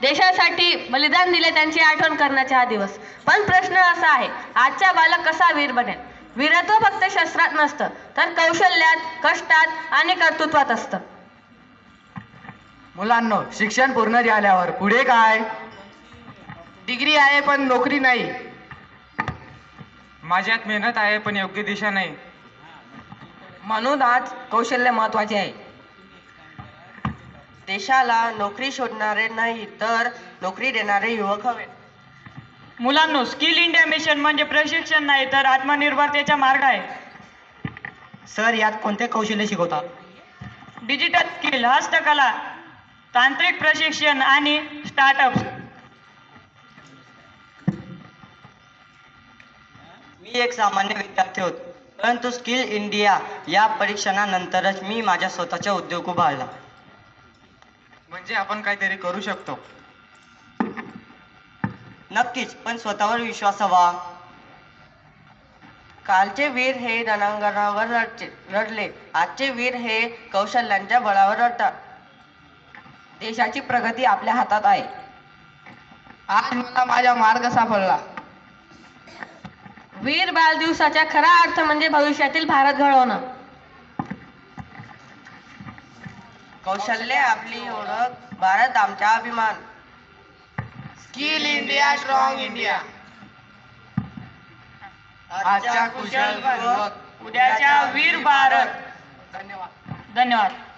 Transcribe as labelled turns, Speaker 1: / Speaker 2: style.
Speaker 1: देशासाठी बलिदान दिले त्यांची आठवण करण्याचा हा दिवस. पण प्रश्न असा आहे, आजचा बालक कसा वीर बनेल? वीरत्व फक्त शस्त्रात नसतं, तर कौशल्यात, कष्टात आणि कर्तृत्वात असतं.
Speaker 2: मुलांनो, शिक्षण पूर्ण झाल्यावर पुढे काय? डिग्री आहे पण नोकरी नाही.
Speaker 3: माझ्यात मेहनत आहे पण योग्य दिशा नाही.
Speaker 2: म्हणून आज कौशल्य महत्वाचे आहे.
Speaker 4: देशाला नोकरी शोधणारे नाही तर नोकरी देणारे युवक हवे.
Speaker 5: मुलांनो, स्किल इंडिया मिशन म्हणजे प्रशिक्षण नाही तर आत्मनिर्भरतेचा मार्ग आहे.
Speaker 2: सर, यात कोणते कौशल्य शिकवतात?
Speaker 5: डिजिटल स्किल, हस्तकला, तांत्रिक प्रशिक्षण आणि स्टार्टअप.
Speaker 4: मी एक सामान्य विद्यार्थी होतो, परंतु स्किल इंडिया या परीक्षणानंतरच मी माझ्या स्वतःचा उद्योग उभारला.
Speaker 3: म्हणजे आपण काहीतरी करू शकतो.
Speaker 4: नक्कीच, पण स्वतःवर विश्वास हवा. कालचे वीर हे रणांगणावर लढले, आजचे वीर हे कौशल्यांच्या बळावर लढतात.
Speaker 2: देशाची प्रगती आपल्या हातात आहे. आज मला माझा मार्ग सापडला.
Speaker 1: वीर बाल दिवसाचा खरा अर्थ म्हणजे भविष्यातील भारत घडवणं.
Speaker 4: कौशल्य आपली ओळख, भारत आमचा अभिमान.
Speaker 2: Skill India, strong India.
Speaker 4: आजच्या कुशल युवक,
Speaker 5: उद्याच्या वीर भारत.
Speaker 2: धन्यवाद.
Speaker 5: धन्यवाद.